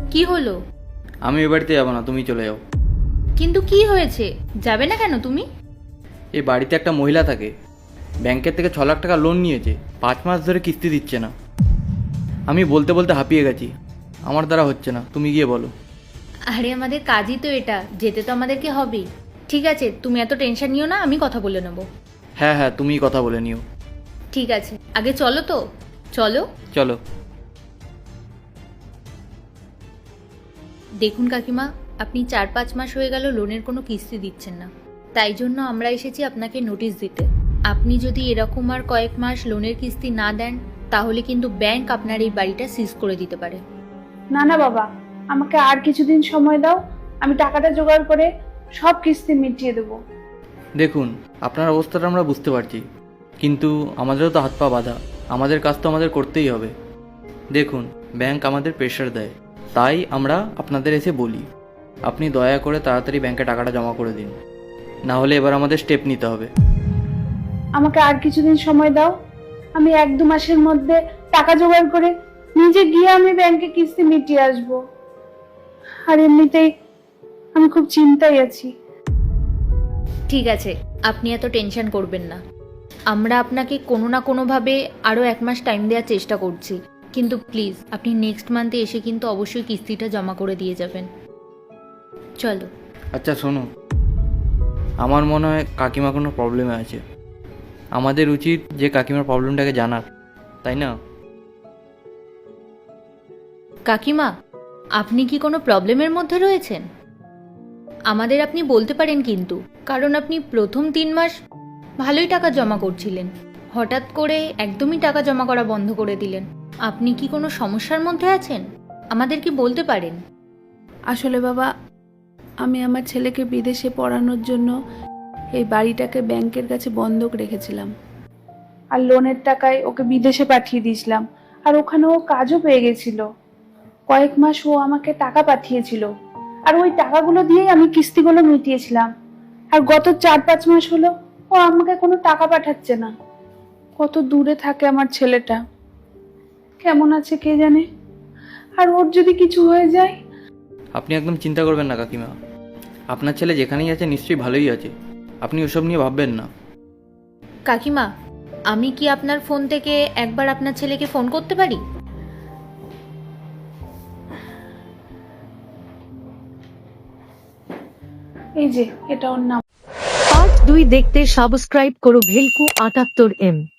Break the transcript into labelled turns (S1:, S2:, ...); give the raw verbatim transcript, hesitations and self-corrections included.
S1: কি হলো?
S2: আমি এ বাড়িতে যাবো না, তুমি চলে যাও।
S1: কিন্তু কি হয়েছে? যাবে না কেন তুমি?
S2: এই বাড়িতে একটা মহিলা থাকে, ব্যাংকের থেকে ছ লাখ টাকা লোন নিয়েছে, পাঁচ মাস ধরে কিস্তি দিচ্ছে না। আমি বলতে বলতে হাঁপিয়ে গেছি, আমার দ্বারা হচ্ছে না, তুমি গিয়ে বলো।
S1: আরে আমাদের কাজই তো এটা, যেতে তো আমাদেরকে হবেই। ঠিক আছে, তুমি এত টেনশন নিও না, আমি কথা বলে নেব।
S2: হ্যাঁ হ্যাঁ, তুমিই কথা বলে নিও।
S1: ঠিক আছে, আগে চলো তো, চলো।
S2: চলো।
S1: দেখুন কাকিমা, আপনি চার পাঁচ মাস হয়ে গেল লোনের কোনো কিস্তি দিচ্ছেন না, তাই জন্য আমরা এসেছি আপনাকে নোটিশ দিতে। আপনি যদি এরকম আর কয়েক মাস লোনের কিস্তি না দেন, তাহলে কিন্তু ব্যাংক আপনার এই বাড়িটা সিজ করে দিতে পারে।
S3: না না বাবা, আমাকে আর কিছুদিন সময় দাও, আমি টাকাটা জোগাড় করে সব কিস্তি মিটিয়ে দেবো।
S2: দেখুন, আপনার অবস্থাটা আমরা বুঝতে পারছি, কিন্তু আমাদেরও তো হাত পা বাঁধা, আমাদের কাজ তো আমাদের করতেই হবে। দেখুন, ব্যাংক আমাদের প্রেশার দেয়, তাই আমরা আপনাদের এসে বলি, আপনি দয়া করে তাড়াতাড়ি ব্যাংকে টাকাটা জমা করে দিন, না হলে এবার আমাদের স্টেপ নিতে হবে।
S3: আমাকে আর কিছুদিন সময় দাও, আমি এক দু মাসের মধ্যে টাকা জোগাড় করে নিজে গিয়ে আমি ব্যাংকে কিস্তি মিটিয়ে আসবো। আর এমনিতেই আমি খুব চিন্তায় আছি।
S1: ঠিক আছে, আপনি এত টেনশন করবেন না, আমরা আপনাকে কোনো না কোনোভাবে আরও এক মাস টাইম দেওয়ার চেষ্টা করছি, কিন্তু প্লিজ আপনি নেক্সট মান্থে এসে কিন্তু অবশ্যই কিস্তিটা জমা করে দিয়ে যাবেন। চলো।
S2: আচ্ছা শোনো, আমার মনে হয় কাকিমা কোনো প্রবলেমে আছে, আমাদের উচিত যে কাকিমার প্রবলেমটাকে জানার, তাই না?
S1: কাকিমা, আপনি কি কোনো প্রবলেমের মধ্যে রয়েছেন? আমাদের আপনি বলতে পারেন কিন্তু, কারণ আপনি প্রথম তিন মাস ভালোই টাকা জমা করছিলেন, হঠাৎ করে একদমই টাকা জমা করা বন্ধ করে দিলেন। আপনি কি কোনো সমস্যার মধ্যে আছেন? আমাদের কি বলতে পারেন?
S3: আসলে বাবা, আমি আমার ছেলেকে বিদেশে পড়ানোর জন্য এই বাড়িটাকে ব্যাংকের কাছে বন্ধক রেখেছিলাম, আর লোনের টাকায় ওকে বিদেশে পাঠিয়ে দিয়েছিলাম, আর ওখানে ও কাজও পেয়ে গেছিল। কয়েক মাস ও আমাকে টাকা পাঠিয়েছিল, আর ওই টাকাগুলো দিয়েই আমি কিস্তিগুলো মিটিয়েছিলাম। আর গত চার পাঁচ মাস হলো ও আমাকে কোনো টাকা পাঠাচ্ছে না। কত দূরে থাকে আমার ছেলেটা, কেমন আছে কে জানে। আর ওর যদি কিছু হয়ে যায়।
S2: আপনি একদম চিন্তা করবেন না কাকিমা, আপনার ছেলে যেখানেই আছে নিশ্চয়ই ভালোই আছে, আপনি ওসব নিয়ে ভাববেন না।
S1: কাকিমা, আমি কি আপনার ফোন থেকে একবার আপনার ছেলেকে ফোন করতে পারি?
S3: এই যে এটা ওর নাম।
S4: পার্ট দুই দেখতে সাবস্ক্রাইব করো ভেলকু আটাত্তর এম।